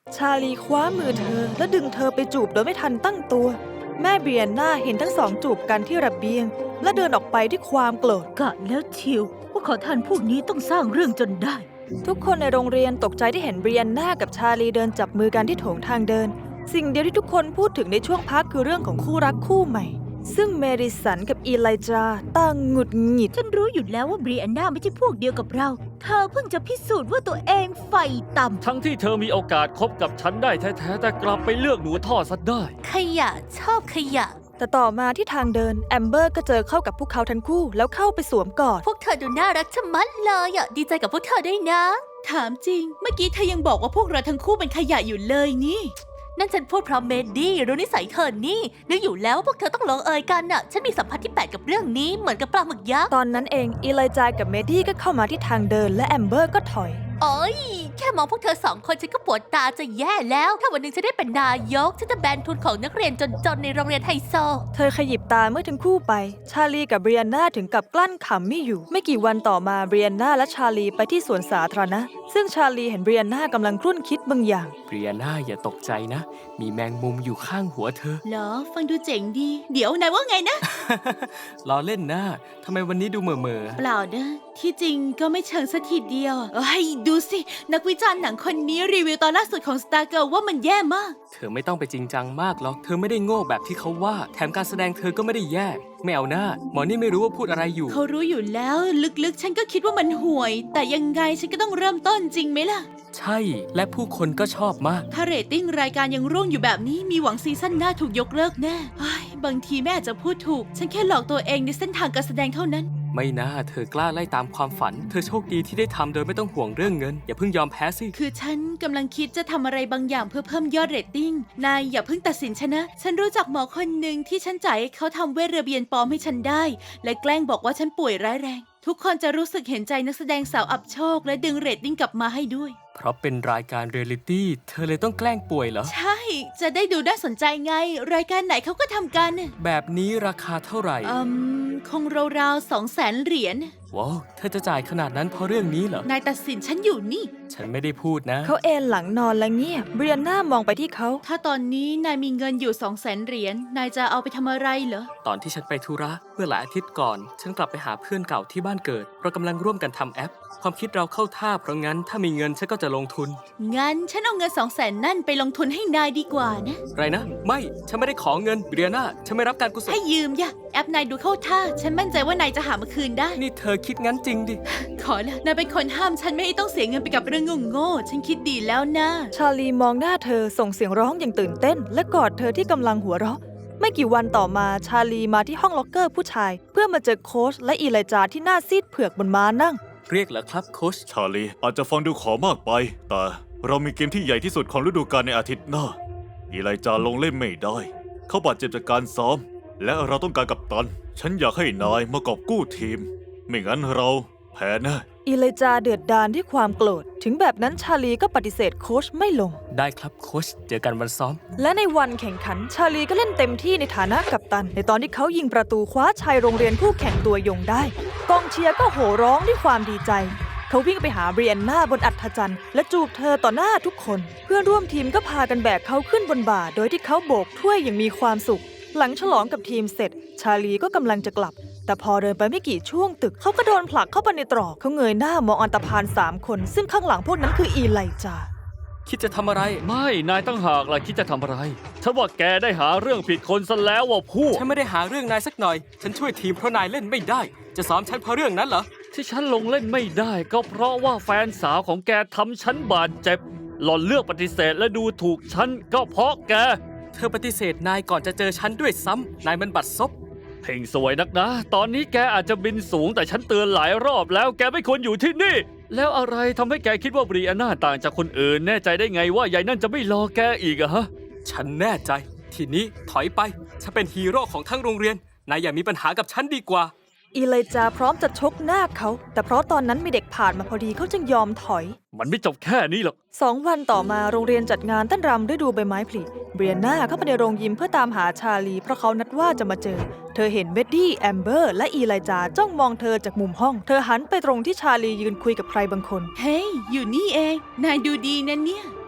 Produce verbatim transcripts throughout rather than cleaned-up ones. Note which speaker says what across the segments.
Speaker 1: ชาลีคว้ามือเธอและดึงเธอไปจูบโดยไม่ทันตั้งตัว แม่เบรียนนาเห็นทั้งสองจูบกันที่ระเบียงและเดินออกไปด้วยความโกรธ
Speaker 2: กะแล้วเชียวว่าขอทานพวกนี้ต้องสร้างเรื่องจนได้
Speaker 1: ทุกคนในโรงเรียนตกใจที่เห็นเบรียนนากับชาลีเดินจับมือกันที่โถงทางเดินสิ่งเดียวที่ทุกคนพูดถึงในช่วงพักคือเรื่องของคู่รักคู่ใหม่ซึ่งเมดิสันกับอีไลจาต่างหงุดหงิด
Speaker 2: ฉันรู้อยู่แล้วว่าเบรียนนาไม่ใช่พวกเดียวกับเราเธอเพิ่งจะพิสูจน์ว่าตัวเองไฟต่ำ
Speaker 3: ทั้งที่เธอมีโอกาสคบกับฉันได้แท้ๆแต่กลับไปเลือกหนูท่อซะได้
Speaker 2: ขยะชอบขยะ
Speaker 1: แต่ต่อมาที่ทางเดินแอมเบอร์ก็เจอเข้ากับพวกเขาทั้งคู่แล้วเข้าไปสวมกอด
Speaker 2: พวกเธอดูน่ารักชะมัดเลยอ่ะดีใจกับพวกเธอด้วยนะถามจริงเมื่อกี้เธอยังบอกว่าพวกเราทั้งคู่เป็นขยะอยู่เลยนี่นั่นฉันพูดเพราะเมดดี้รู้นิสัยเธอนี่นึกอยู่แล้วว่าพวกเธอต้องลงเอยกันน่ะฉันมีสัมผัสที่แปลกกับเรื่องนี้เหมือนกับปลาหมึกยักษ์
Speaker 1: ตอนนั้นเองอีไลจากับเมดดี้ก็เข้ามาที่ทางเดินและแอมเบอร์ก็ถอย
Speaker 2: โอ๊ยแค่มองพวกเธอสองคนฉันก็ปวดตาจะแย่แล้วถ้าวันหนึ่งฉันได้เป็นนายกฉันจะแบนทุนของนักเรียนจนๆในโรงเรียนไฮโซ
Speaker 1: เธอขยิบตาเมื่อทั้งคู่ไปชาลีกับเบรียนนาถึงกับกลั้นขำไม่อยู่ไม่กี่วันต่อมาเบรียนนาและชาลีไปที่สวนสาธารณะซึ่งชาลีเห็นเบรียนนากำลังครุ่นคิดบางอย่าง
Speaker 4: เบรียนาอย่าตกใจนะมีแมงมุมอยู่ข้างหัวเธอ
Speaker 2: เหรอฟังดูเจ๋งดีเดี๋ยวนายว่าไงนะ
Speaker 4: ล้อเล่นนะทำไมวันนี้ดูเมื่อเมื่อ
Speaker 2: เปล่านะที่จริงก็ไม่เชิงสักทีเดียวเอ้ยดูสินักวิจารณ์หนังคนนี้รีวิวตอนล่าสุดของ Star Girl ว่ามันแย่มาก
Speaker 4: เธอไม่ต้องไปจริงจังมากหรอกเธอไม่ได้โง่แบบที่เขาว่าแถมการแสดงเธอก็ไม่ได้แย่ไม่เอาหน้าหมอนี่ไม่รู้ว่าพูดอะไรอยู่
Speaker 2: เขารู้อยู่แล้วลึกๆฉันก็คิดว่ามันห่วยแต่ยังไงฉันก็ต้องเริ่มต้นจริงไหมล่ะ
Speaker 4: ใช่และผู้คนก็ชอบมาก
Speaker 2: ถ้าเรตติ้งรายการยังร่วงอยู่แบบนี้มีหวังซีซั่นหน้าถูกยกเลิกแน่บางทีแม่อาจจะพูดถูกฉันแค่หลอกตัวเองในเส้นทางการแสดงเท่านั้น
Speaker 4: ไม่น่าเธอกล้าไล่ตามความฝันเธอโชคดีที่ได้ทำโดยไม่ต้องห่วงเรื่องเงินอย่าเพิ่งยอมแพ้สิ
Speaker 2: คือฉันกำลังคิดจะทำอะไรบางอย่างเพื่อเพิ่มยอดเรตติ้งนายอย่าเพิ่งตัดสินฉันนะฉันรู้จักหมอคนหนึ่งที่ฉันจ่ายให้เขาทำเวชระเบียนปลอมให้ฉันได้และแกล้งบอกว่าฉันป่วยร้ายแรงทุกคนจะรู้สึกเห็นใจนักแสดงสาวอับโชคและดึงเรตติ้งกลับมาให้ด้วย
Speaker 4: เพราะเป็นรายการเรียลลิตี้เธอเลยต้องแกล้งป่วยเหรอ
Speaker 2: ใช่จะได้ดูน่าสนใจไงรายการไหนเขาก็ทำกัน
Speaker 4: แบบนี้ราคาเท่าไหร่
Speaker 2: อืมคงราวๆสองแสนเหรียญ
Speaker 4: ว้าวเธอจะจ่ายขนาดนั้นเพราะเรื่องนี้เหรอน
Speaker 2: ายตัดสินฉันอยู่นี่
Speaker 4: ฉันไม่ได้พูดนะ
Speaker 1: เขาเอนหลังนอนและเงียบเบรียนนามองไปที่เขา
Speaker 2: ถ้าตอนนี้นายมีเงินอยู่สองแสนเหรียญนายจะเอาไปทำอะไรเหรอ
Speaker 4: ตอนที่ฉันไปธุระเมื่อหลายอาทิตย์ก่อนฉันกลับไปหาเพื่อนเก่าที่บ้านเกิดเรากำลังร่วมกันทำแอปความคิดเราเข้าท่าเพราะงั้นถ้ามีเงินฉันก็จะลงทุน
Speaker 2: งั้นฉันเอาเงินสองแสนนั่นไปลงทุนให้นายดีกว่านะ
Speaker 4: ไรนะไม่ฉันไม่ได้ขอเงินเบรียนาฉันไม่รับการกุศล
Speaker 2: ให้ยืมย่ะแอปนายดูเข้าท่าฉันมั่นใจว่านายจะหามาคืนได้
Speaker 4: นี่เธอคิดงั้นจริงดิ
Speaker 2: ขอละนายเป็นคนห้ามฉันไม่ให้ต้องเสียเงินไปกับเรื่องโง่ๆฉันคิดดีแล้วนะ
Speaker 1: ชาลีมองหน้าเธอส่งเสียงร้องอย่างตื่นเต้นและกอดเธอที่กำลังหัวเราะไม่กี่วันต่อมาชาลีมาที่ห้องล็อกเกอร์ผู้ชายเพื่อมาเจอโค้ชและอีไลจาที่หน้าซีดเผือกบนม้านั่ง
Speaker 4: เรียกเหรอครับโค้ช
Speaker 5: ชาลีอาจจะฟังดูขอมากไปแต่เรามีเกมที่ใหญ่ที่สุดของฤดูกาลในอาทิตย์หน้าอีไลจาลงเล่นไม่ได้เขาบาดเจ็บจากการซ้อมและเราต้องการกัปตันฉันอยากให้นายมากอบกู้ทีมไม่งั้นเราแพ้แน่
Speaker 1: อีไลจาเดือดดาลด้วยความโกรธถึงแบบนั้นชาลีก็ปฏิเสธโค้ชไม่ลง
Speaker 4: ได้ครับโค้ชเจอกันวันซ้อม
Speaker 1: และในวันแข่งขันชาลีก็เล่นเต็มที่ในฐานะกัปตันในตอนที่เขายิงประตูคว้าชัยโรงเรียนคู่แข่งตัวยงได้กองเชียร์ก็โห่ร้องด้วยความดีใจเขาวิ่งไปหาเบรียนนาบนอัฐจันทร์และจูบเธอต่อหน้าทุกคนเพื่อนร่วมทีมก็พากันแบกเขาขึ้นบนบ่าโดยที่เขาโบกถ้วยอย่างมีความสุขหลังฉลองกับทีมเสร็จชาลีก็กำลังจะกลับแต่พอเดินไปไม่กี่ช่วงตึกเขาก็โดนผลักเข้าไปในตรอกเขาเงยหน้ามองอันธพาลสามคนซึ่งข้างหลังพวกนั้นคืออีไลจา
Speaker 4: คิดจะทำอะไร
Speaker 3: ไม่นายตั้งหากล่ะคิดจะทำอะไรฉันว่าแกได้หาเรื่องผิดคนซะแล้วว่ะพูด
Speaker 4: ฉันไม่ได้หาเรื่องนายสักหน่อยฉันช่วยทีมเพราะนายเล่นไม่ได้จะซ้อมฉันเพราะเรื่องนั้นเหรอ
Speaker 3: ที่ฉันลงเล่นไม่ได้ก็เพราะว่าแฟนสาวของแกทำฉันบาดเจ็บหล่อนเลือกปฏิเสธและดูถูกฉันก็เพราะแก
Speaker 4: เธอปฏิเสธนายก่อนจะเจอฉันด้วยซ้ำนายมันบัดซบ
Speaker 3: เพ่งสวยนักนะตอนนี้แกอาจจะบินสูงแต่ฉันเตือนหลายรอบแล้วแกไม่ควรอยู่ที่นี่แล้วอะไรทำให้แกคิดว่าบรีอาน่าต่างจากคนอื่นแน่ใจได้ไงว่ายายนั่นจะไม่รอแกอีกอะฮะ
Speaker 4: ฉันแน่ใจทีนี้ถอยไปฉันเป็นฮีโร่ของทั้งโรงเรียนนายอย่ามีปัญหากับฉันดีกว่า
Speaker 1: อีไลจาพร้อมจะชกหน้าเขาแต่เพราะตอนนั้นมีเด็กผ่านมาพอดีเขาจึงยอมถอย
Speaker 3: มันไม่จบแค่นี้หรอก
Speaker 1: สองวันต่อมาโรงเรียนจัดงานเต้นรำฤดูใบไม้ผลิเบรียนนาเข้าไปในโรงยิมเพื่อตามหาชาลีเพราะเขานัดว่าจะมาเจอเธอเห็นเบดดี้แอมเบอร์และอีไลจาจ้องมองเธอจากมุมห้องเธอหันไปตรงที่ชาลียืนคุยกับใครบางคน
Speaker 2: เฮ้ย hey, อยู่นี่เองนายดูดีนะเนี่ย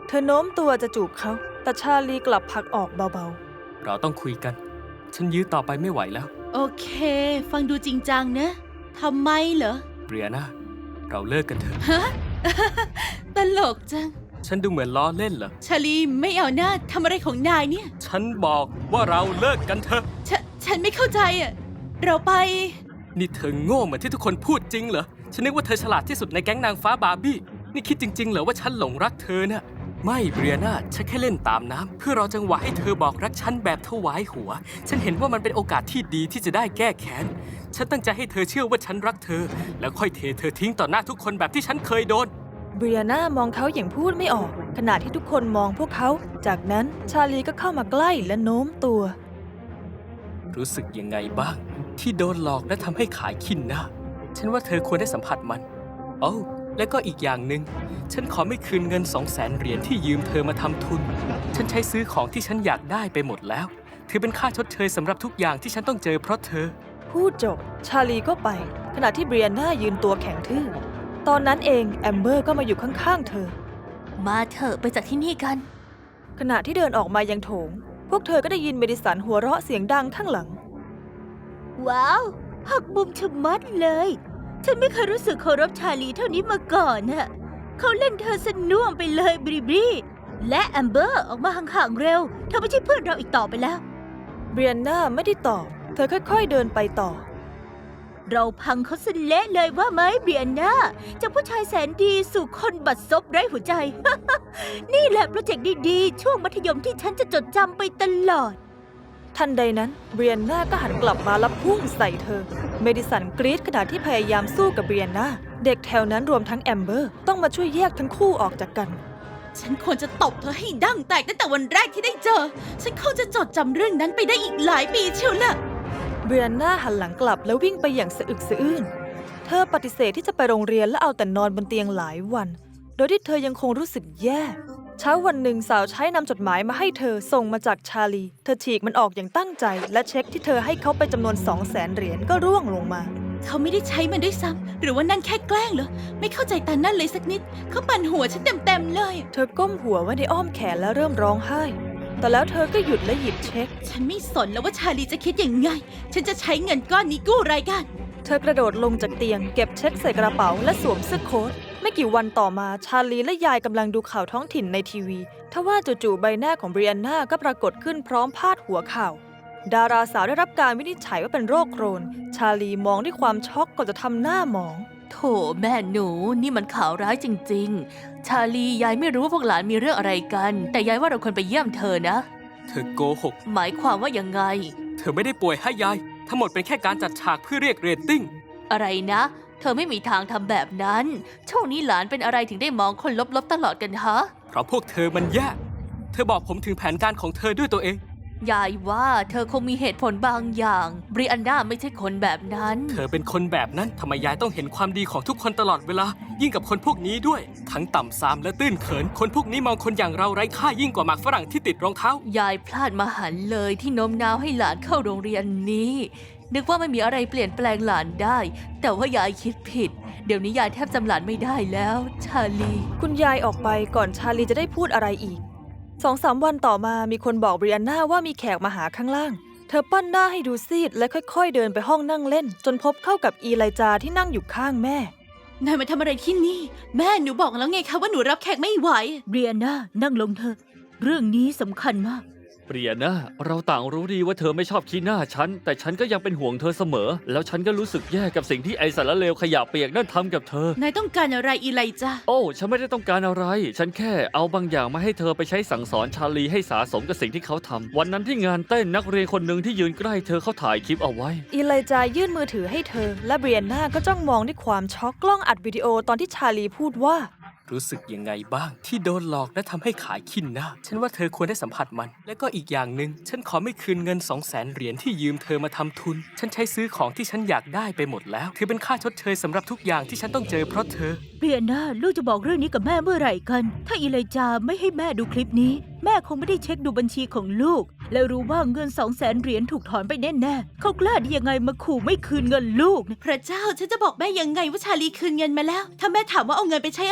Speaker 1: เธอโน้มตัวจะจูบเขา แต่ชาลีกลับผลักออกเบา
Speaker 4: เราต้องคุยกัน ฉันยื้อต่อไปไม่ไหวแล้ว
Speaker 2: โอเค ฟังดูจริงจังนะทำไมเหรอ
Speaker 4: เบรียนาเราเลิกกันเถอะ
Speaker 2: ฮะ ตลกจัง
Speaker 4: ฉันดูเหมือนล้อเล่นเหรอ
Speaker 2: ชาลีไม่เอาหน้าทำอะไรของนายเนี่ย
Speaker 4: ฉันบอกว่าเราเลิกกันเถอะ
Speaker 2: ฉนฉันไม่เข้าใจอ่ะ เราไป
Speaker 4: นี่เธอโง่เหมือนที่ทุกคนพูดจริงเหรอ ฉันนึกว่าเธอฉลาดที่สุดในแก๊งนางฟ้าบาร์บี้ นี่คิดจริงๆเหรอว่าฉันหลงรักเธอน่ะ ไม่เบรียนาฉันแค่เล่นตามน้ำเพื่อรอจังหวะให้เธอบอกรักฉันแบบถวายหัว ฉันเห็นว่ามันเป็นโอกาสที่ดีที่จะได้แก้แค้น ฉันตั้งใจให้เธอเชื่อว่าฉันรักเธอ แล้วค่อยเทเธอทิ้งต่อหน้าทุกคนแบบที่ฉันเคยโดน
Speaker 1: ๆ เบรียนามองเขาอย่างพูดไม่ออก ขณะที่ทุกคนมองพวกเขา จากนั้นชาลีก็เข้ามาใกล้และโน้มตัว
Speaker 4: รู้สึกยังไงบ้าง ที่โดนหลอกและทำให้ขายขี้หน้า ฉันว่าเธอควรได้สัมผัสมันโอ้าและก็อีกอย่างหนึ่งฉันขอไม่คืนเงินสองแสนเหรียญที่ยืมเธอมาทำทุน ฉันใช้ซื้อของที่ฉันอยากได้ไปหมดแล้ว ถือเป็นค่าชดเชยสำหรับทุกอย่างที่ฉันต้องเจอเพราะเธอ
Speaker 1: พูดจบ ชาลีก็ไป ขณะที่เบรียนายืนตัวแข็งทื่อ ตอนนั้นเองแอมเบอร์ก็มาอยู่ข้างๆเธอ
Speaker 2: มาเถอะไปจากที่นี่กัน
Speaker 1: ขณะที่เดินออกมายังโถง พวกเธอก็ได้ยินเมดิสันหัวเราะเสียงดังข้างหลัง
Speaker 6: ว้าว หักมุมชะมัดเลย ฉันไม่เคยรู้สึกเคารพชาลีเท่านี้มาก่อนน่ะเขาเล่นเธอสน่วมไปเลยบริบรีและแอมเบอร์ออกมาห่างๆเร็ว เธอไม่ใช่เพื่อนเราอีกต่อไปแล้ว
Speaker 1: เบรียนาไม่ได้ตอบ เธอค่อยๆเดินไปต่อ
Speaker 6: เราพังเขาสเละเลยว่าไหมเบียนนาจากผู้ชายแสนดีสู่คนบัดซบไร้หัวใจ นี่แหละโปรเจกต์ดีๆ ช่วงมัธยมที่ฉันจะจดจำไปตลอด
Speaker 1: ทันใดนั้นเบรียนาก็หันกลับมาแล้วพุ่งใส่เธอ เมดิสันกรีดขณะที่พยายามสู้กับเบรียนาเด็กแถวนั้นรวมทั้งแอมเบอร์ต้องมาช่วยแยกทั้งคู่ออกจากกัน
Speaker 2: ฉันควรจะตบเธอให้ดั้งแตกตั้งแต่วันแรกที่ได้เจอ ฉันคงจะจดจำเรื่องนั้นไปได้อีกหลายปีเชียวล่ะ
Speaker 1: เบรียนาหันหลังกลับแล้ววิ่งไปอย่างสะอึกสะอื้น เธอปฏิเสธที่จะไปโรงเรียนและเอาแต่นอนบนเตียงหลายวัน โดยที่เธอยังคงรู้สึกแย่ เช้าวันหนึ่งสาวใช้นำจดหมายมาให้เธอส่งมาจากชาลี เธอฉีกมันออกอย่างตั้งใจ และเช็คที่เธอให้เขาไปจำนวนสองแสนเหรียญก็ร่วงลงมา
Speaker 2: เขาไม่ได้ใช้มันด้วยซ้ำหรือว่านั่นแค่แกล้งเหรอ ไม่เข้าใจตานั่นเลยสักนิด เขาปั่นหัวฉันเต็มๆเลย
Speaker 1: เธอก้มหัวไว้ในอ้อมแขนและเริ่มร้องไห้ แต่แล้วเธอก็หยุดและหยิบเช็ค
Speaker 2: ฉันไม่สนแล้วว่าชาลีจะคิดยังไง ฉันจะใช้เงินก้อนนี้กู้รายการ
Speaker 1: เธอกระโดดลงจากเตียงเก็บเช็คใส่กระเป๋าและสวมเสื้อโค้ทไม่กี่วันต่อมาชาลีและยายกำลังดูข่าวท้องถิ่นในทีวีทว่าจู่ๆใบหน้าของเบรียนนาก็ปรากฏขึ้นพร้อมพาดหัวข่าว ดาราสาวได้รับการวินิจฉัยว่าเป็นโรคโครน ชาลีมองด้วยความช็อกก่อนจะทำหน้าหมอง
Speaker 7: โถแม่หนูนี่มันข่าวร้ายจริงๆ ชาลียายไม่รู้ว่าพวกหลานมีเรื่องอะไรกัน แต่ยายว่าเราควรไปเยี่ยมเธอนะ
Speaker 4: เธอโกหก
Speaker 7: หมายความว่ายังไง
Speaker 4: เธอไม่ได้ป่วยให้ยาย ทั้งหมดเป็นแค่การจัดฉากเพื่อเรียกเรตติ้ง
Speaker 7: อะไรนะ เธอไม่มีทางทำแบบนั้นช่วงนี้หลานเป็นอะไรถึงได้มองคนลบๆตลอดกันฮะ
Speaker 4: เพราะพวกเธอมันแย่ เธอบอกผมถึงแผนการของเธอด้วยตัวเอง
Speaker 7: ยายว่าเธอคงมีเหตุผลบางอย่างบริอันดาไม่ใช่คนแบบนั้น
Speaker 4: เธอเป็นคนแบบนั้นทำไมยายต้องเห็นความดีของทุกคนตลอดเวลา ยิ่งกับคนพวกนี้ด้วย ทั้งต่ำซามและตื้นเขิน คนพวกนี้มองคนอย่างเราไร้ค่ายิ่งกว่าหมากฝรั่งที่ติดรองเท้า
Speaker 7: ยายพลาดมหันต์เลยที่โน้มน้าวให้หลานเข้าโรงเรียนนี้ นึกว่าไม่มีอะไรเปลี่ยนแปลงหลานได้ แต่ว่ายายคิดผิด เดี๋ยวนี้ยายแทบจำหลานไม่ได้แล้ว ชาลี
Speaker 1: คุณยายออกไปก่อนชาลีจะได้พูดอะไรอีกสองสามวันต่อมามีคนบอกเบรียนนาว่ามีแขกมาหาข้างล่าง เธอปั้นหน้าให้ดูซีดและค่อยๆเดินไปห้องนั่งเล่น จนพบเข้ากับอีไลจาที่นั่งอยู่ข้างแม่
Speaker 2: นายมาทำอะไรที่นี่ แม่หนูบอกแล้วไงคะว่าหนูรับแขกไม่ไหว
Speaker 6: เบียนนานั่งลงเถอะ เรื่องนี้สำคัญมาก
Speaker 3: เบรียนาเราต่างรู้ดีว่าเธอไม่ชอบขี้หน้าฉัน แต่ฉันก็ยังเป็นห่วงเธอเสมอ แล้วฉันก็รู้สึกแย่กับสิ่งที่ไอสารเลวขยะเปียกนั่นทำกับเธอ
Speaker 2: นายต้องการอะไรอีไลจ้า
Speaker 3: โอ้ฉันไม่ได้ต้องการอะไร ฉันแค่เอาบางอย่างมาให้เธอไปใช้สั่งสอนชาลีให้สาสมกับสิ่งที่เขาทำวันนั้นที่งานเต้นนักเรียนคนหนึ่งที่ยืนใกล้เธอเขาถ่ายคลิปเอาไว้
Speaker 1: อีไลจายื่นมือถือให้เธอ และเบรียนนาก็จ้องมองด้วยความช็อกกล้องอัดวิดีโอตอนที่ชาลีพูดว่า
Speaker 4: รู้สึกยังไงบ้างที่โดนหลอกและทำให้ขายขี้หน้า ฉันว่าเธอควรได้สัมผัสมัน และก็อีกอย่างหนึ่งฉันขอไม่คืนเงินสองแสนเหรียญที่ยืมเธอมาทำทุน ฉันใช้ซื้อของที่ฉันอยากได้ไปหมดแล้วถือเป็นค่าชดเชยสำหรับทุกอย่างที่ฉันต้องเจอเพราะเธอ
Speaker 6: เบียนนาลูกจะบอกเรื่องนี้กับแม่เมื่อไหร่กัน ถ้าอีไลจาไม่ให้แม่ดูคลิปนี้ แม่คงไม่ได้เช็คดูบัญชีของลูก และรู้ว่าเงินสองแสนเหรียญถูกถอนไปแน่ๆเขากล้าได้ยังไงมาขู่ไม่คืนเงินลูกนะ
Speaker 2: พระเจ้าฉันจะบอกแม่ยังไงว่าชาลีคืนเงินมาแล้ว ถ้าแม่ถามว่าเอาเงินไปใช้อะไร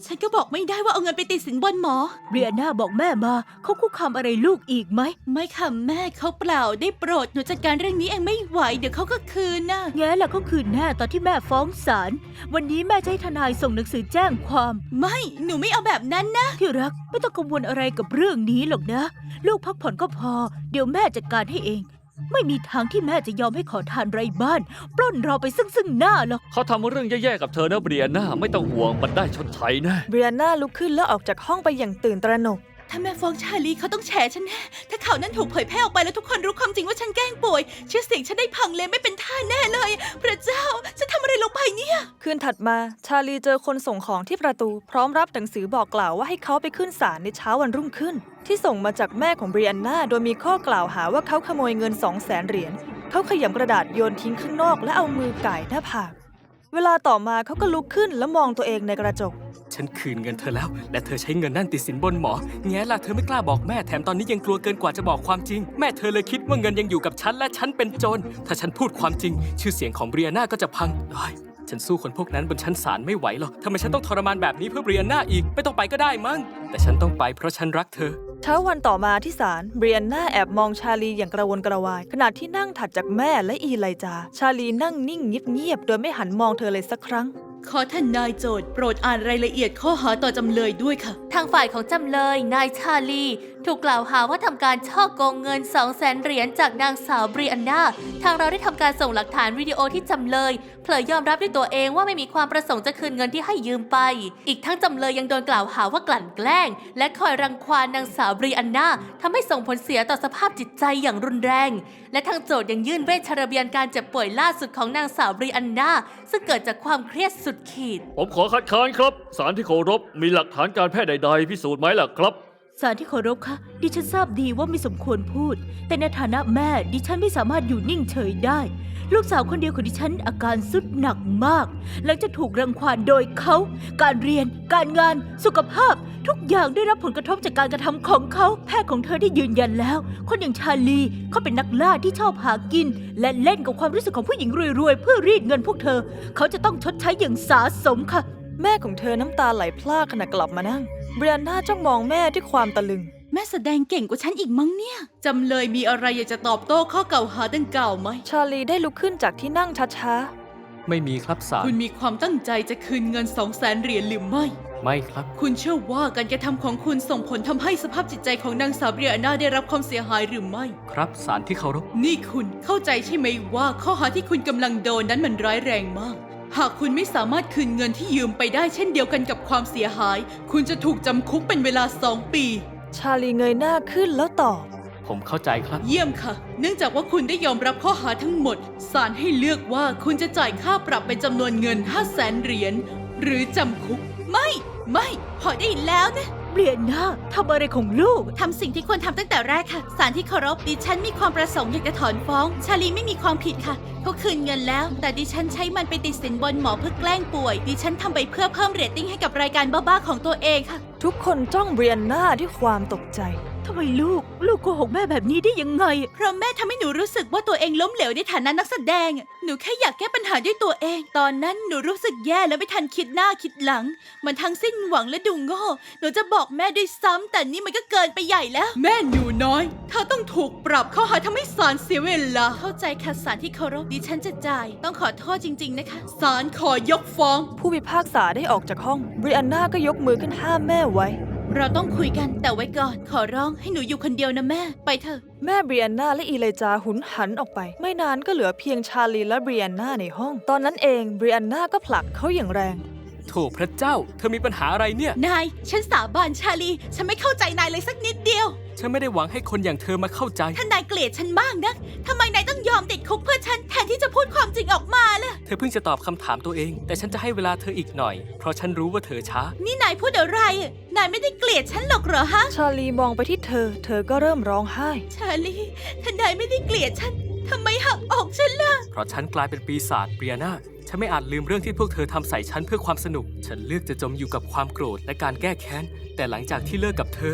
Speaker 2: ฉันก็บอกไม่ได้ว่าเอาเงินไปติดสินบนหมอ
Speaker 6: เบรียนาบอกแม่มาเขาคุกคามอะไรลูกอีกไหม
Speaker 2: ไม่ค่ะแม่เขาเปล่าได้โปรดหนูจัดการเรื่องนี้เองไม่ไหวเดี๋ยวเขาก็คืนน่ะ
Speaker 6: แง่ละเขาคืนแน่ตอนที่แม่ฟ้องศาลวันนี้แม่จะให้ทนายส่งหนังสือแจ้งความ
Speaker 2: ไม่หนูไม่เอาแบบนั้นนะ
Speaker 6: ที่รักไม่ต้องกังวลอะไรกับเรื่องนี้หรอกนะ ลูกพักผ่อนก็พอ เดี๋ยวแม่จัดการให้เอง ไม่มีทางที่แม่จะยอมให้ขอทานไร้บ้าน ปล้นเราไปซึ่งซึ่งหน้าหรอก
Speaker 3: เขาทำเรื่องแย่ๆกับเธอนะเบรียน่าไม่ต้องห่วงมันได้ชดใช้แน่
Speaker 1: เบรียนาลุกขึ้นแล้วออกจากห้องไปอย่างตื่นตระหนก
Speaker 2: ถ้าแม่ฟ้องชาลีเขาต้องแฉฉันแน่ถ้าข่าวนั้นถูกเผยแพร่ออกไปแล้วทุกคนรู้ความจริงว่าฉันแกล้งป่วยชื่อเสียงฉันได้พังเลยไม่เป็นท่าแน่เลย พระเจ้าฉันทำอะไรลงไปเนี่ย
Speaker 1: คืนถัดมาชาลีเจอคนส่งของที่ประตู พร้อมรับหนังสือบอกกล่าวว่าให้เขาไปขึ้นศาลในเช้าวันรุ่งขึ้น ที่ส่งมาจากแม่ของเบรียนนาโดยมีข้อกล่าวหาว่าเขาขโมยเงินสองแสนเหรียญเขาขยำกระดาษโยนทิ้งข้างนอกและเอามือก่ายหน้าผากเวลาต่อมาเขาก็ลุกขึ้นและมองตัวเองในกระจก
Speaker 4: ฉันคืนเงินเธอแล้ว และเธอใช้เงินนั่นติดสินบนหมอแง่ล่ะเธอไม่กล้าบอกแม่แถมตอนนี้ยังกลัวเกินกว่าจะบอกความจริง แม่เธอเลยคิดว่าเงินยังอยู่กับฉันและฉันเป็นโจรถ้าฉันพูดความจริง ชื่อเสียงของเบรียนาก็จะพังเฮ้ยฉันสู้คนพวกนั้นบนชั้นศาลไม่ไหวหรอกทำไมฉันต้องทรมานแบบนี้เพื่อเบรียนาอีกไม่ต้องไปก็ได้มั้งแต่ฉันต้องไปเพราะฉันรักเธอ
Speaker 1: เช้าวันต่อมาที่ศาลเบรียนนาแอบมองชาลีอย่างกระวนกระวายขณะที่นั่งถัดจากแม่และอีไลจาชาลีนั่งนิ่งเงียบๆโดยไม่หันมองเธอเลยสักครั้ง
Speaker 2: ขอท่านนายโจทย์โปรดอ่านรายละเอียดข้อหาต่อจำเลยด้วยค่ะ
Speaker 7: ทางฝ่ายของจำเลยนายชาลี ถูกกล่าวหาว่าทำการช่อโกงเงิน สองแสน เหรียญจากนางสาวเบรียนนาทางเราได้ทำการส่งหลักฐานวิดีโอที่จำเลยเผยยอมรับด้วยตัวเองว่าไม่มีความประสงค์จะคืนเงินที่ให้ยืมไป อีกทั้งจำเลยยังโดนกล่าวหาว่ากลั่นแกล้ง และคอยรังควานนางสาวเบรียนนาทำให้ส่งผลเสียต่อสภาพจิตใจอย่างรุนแรง และทางโจทย์ยังยื่นเวชระเบียนการเจ็บป่วยล่าสุดของนางสาวเบรียนนาซึ่งเกิดจากความเครียดสุดขีด
Speaker 3: ผมขอคัดค้านครับศาลที่เคารพมีหลักฐานการแพทย์ใดๆพิสูจน์ไหมล่ะครับ
Speaker 6: ศาลที่เคารพคะดิฉันทราบดีว่าไม่สมควรพูด แต่ในฐานะแม่ดิฉันไม่สามารถอยู่นิ่งเฉยได้ ลูกสาวคนเดียวของดิฉันอาการสุดหนักมาก หลังจากถูกรังควานโดยเขา การเรียน การงาน สุขภาพ ทุกอย่างได้รับผลกระทบจากการกระทำของเขา แพทย์ของเธอได้ยืนยันแล้ว คนอย่างชาลีเขาเป็นนักล่าที่ชอบหากิน และเล่นกับความรู้สึกของผู้หญิงรวยๆเพื่อรีดเงินพวกเธอ เขาจะต้องชดใช้อย่างสาสมค่ะ
Speaker 1: แม่ของเธอน้ำตาไหลพรากขณะกลับมานั่งเบรียนนาจ้องมองแม่ด้วยความตะลึง
Speaker 2: แม่แสดงเก่งกว่าฉันอีกมั้งเนี่ยจำเลยมีอะไรอยากจะตอบโต้ข้อกล่าวหาดังกล่าวไหม
Speaker 1: ชาลีได้ลุกขึ้นจากที่นั่งช้า
Speaker 4: ไม่มีครับศาล
Speaker 2: คุณมีความตั้งใจจะคืนเงินสองแสนเหรียญหรือไม่
Speaker 4: ไม่ครับ
Speaker 2: คุณเชื่อว่าการกระทำของคุณส่งผลทำให้สภาพจิตใจของนางสาวเบรียนาได้รับความเสียหายหรือไม่
Speaker 4: ครับศาลที่เคารพ
Speaker 2: นี่คุณเข้าใจใช่ไหมว่าข้อหาที่คุณกำลังโดนนั้นมันร้ายแรงมาก หากคุณไม่สามารถคืนเงินที่ยืมไปได้เช่นเดียวกันกับความเสียหาย คุณจะถูกจำคุกเป็นเวลาสองปี
Speaker 1: ๆ ชาลีเงยหน้าขึ้นแล้วตอบ
Speaker 4: ผมเข้าใจครับ
Speaker 2: เยี่ยมค่ะ เนื่องจากว่าคุณได้ยอมรับข้อหาทั้งหมด ศาลให้เลือกว่าคุณจะจ่ายค่าปรับเป็นจำนวนเงิน ห้าแสน เหรียญ หรือจำคุก ไม่ ไม่ พอได้แล้วนะ
Speaker 6: เบรียนนาทำอะไรของลูก
Speaker 2: ทำสิ่งที่ควรทำตั้งแต่แรกค่ะ ศาลที่เคารพดิฉันมีความประสงค์อยากจะถอนฟ้อง ชาลีไม่มีความผิดค่ะเขาคืนเงินแล้ว แต่ดิฉันใช้มันไปติดสินบนหมอเพื่อแกล้งป่วย ดิฉันทำไปเพื่อเพิ่มเรตติ้งให้กับรายการบ้าๆของตัวเองค่ะ
Speaker 1: ทุกคนจ้องเบรียนนาด้วยความตกใจ
Speaker 6: ทำไมลูก ลูกโกหกแม่แบบนี้ได้ยังไง
Speaker 2: เพราะแม่ทำให้หนูรู้สึกว่าตัวเองล้มเหลวในฐานะนักแสดง หนูแค่อยากแก้ปัญหาด้วยตัวเอง ตอนนั้นหนูรู้สึกแย่และไม่ทันคิดหน้าคิดหลัง มันทั้งสิ้นหวังและดูโง่ หนูจะบอกแม่ด้วยซ้ำแต่นี่มันก็เกินไปใหญ่แล้ว แม่หนูน้อยเธอต้องถูกปรับข้อหาทำให้ศาลเสียเวลา เข้าใจค่ะศาลที่เคารพดิฉันจะจ่าย ต้องขอโทษจริง ๆนะคะ ศาลขอยกฟ้อง
Speaker 1: ผู้พิพากษาได้ออกจากห้องเบรียนนาก็ยกมือขึ้นห้ามแม่ไว้
Speaker 2: เราต้องคุยกันแต่ไว้ก่อน ขอร้องให้หนูอยู่คนเดียวนะแม่ ไปเถอะ
Speaker 1: แม่เบรียนนาและอีเลจาหุนหันออกไป ไม่นานก็เหลือเพียงชาลีและเบรียนนาในห้อง ตอนนั้นเองเบรียนนาก็ผลักเขาอย่างแรง
Speaker 4: โถพระเจ้า เธอมีปัญหาอะไรเนี่ย
Speaker 2: นาย ฉันสาบานชาลี ฉันไม่เข้าใจนายเลยสักนิดเดียว
Speaker 4: ฉันไม่ได้หวังให้คนอย่างเธอมาเข้าใจ
Speaker 2: ถ้านายเกลียดฉันมากนักทำไมนายต้องยอมติดคุกเพื่อฉันแทนที่จะพูดความจริงออกมาล่ะ
Speaker 4: เธอเพิ่งจะตอบคำถามตัวเอง แต่ฉันจะให้เวลาเธออีกหน่อย เพราะฉันรู้ว่าเธอช้า
Speaker 2: นี่นายพูดอะไร นายไม่ได้เกลียดฉันหรอกเหรอฮะ
Speaker 1: ชาลีมองไปที่เธอ เธอก็เริ่มร้องไห้
Speaker 2: ชาลี ถ้านายไม่ได้เกลียดฉันทำไมหักอกฉันล่ะ
Speaker 4: เพราะฉันกลายเป็นปีศาจเบรียนาฉันไม่อาจลืมเรื่องที่พวกเธอทำใส่ฉันเพื่อความสนุก ฉันเลือกจะจมอยู่กับความโกรธและการแก้แค้น แต่หลังจากที่เลิกกับเธอ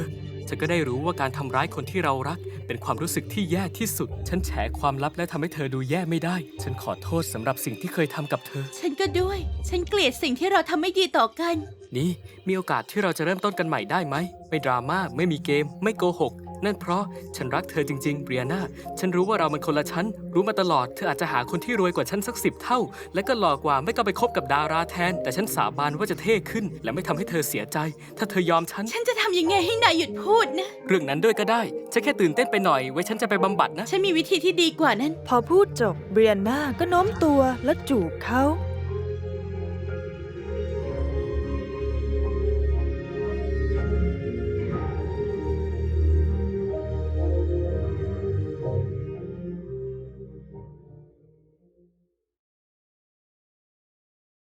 Speaker 4: ฉันก็ได้รู้ว่าการทำร้ายคนที่เรารัก เป็นความรู้สึกที่แย่ที่สุด ฉันแฉความลับและทำให้เธอดูแย่ไม่ได้ ฉันขอโทษสำหรับสิ่งที่เคยทำกับเธอ
Speaker 2: ฉันก็ด้วย ฉันเกลียดสิ่งที่เราทำไม่ดีต่อกัน
Speaker 4: นี่มีโอกาสที่เราจะเริ่มต้นกันใหม่ได้ไหม ไม่ดราม่า ไม่มีเกม ไม่โกหก นั่นเพราะฉันรักเธอจริงๆเบรียนาฉันรู้ว่าเรามันคนละชั้น รู้มาตลอด เธออาจจะหาคนที่รวยกว่าฉันสักสิบเท่า และก็หล่อกว่าไม่ก็ไปคบกับดาราแทน แต่ฉันสาบานว่าจะเท่ขึ้น และไม่ทำให้เธอเสียใจ ถ้าเธอยอมฉัน
Speaker 2: ฉันจะทำยังไงให้นายหยุดพูดนะ
Speaker 4: เรื่องนั้นด้วยก็ได้ ฉันแค่ตื่นเต้นไปหน่อย ไว้ฉันจะไปบำบัดนะ
Speaker 2: ฉันมีวิธีที่ดีกว่านั้น
Speaker 1: พอพูดจบเบรียนนาก็โน้มตัวและจูบเขา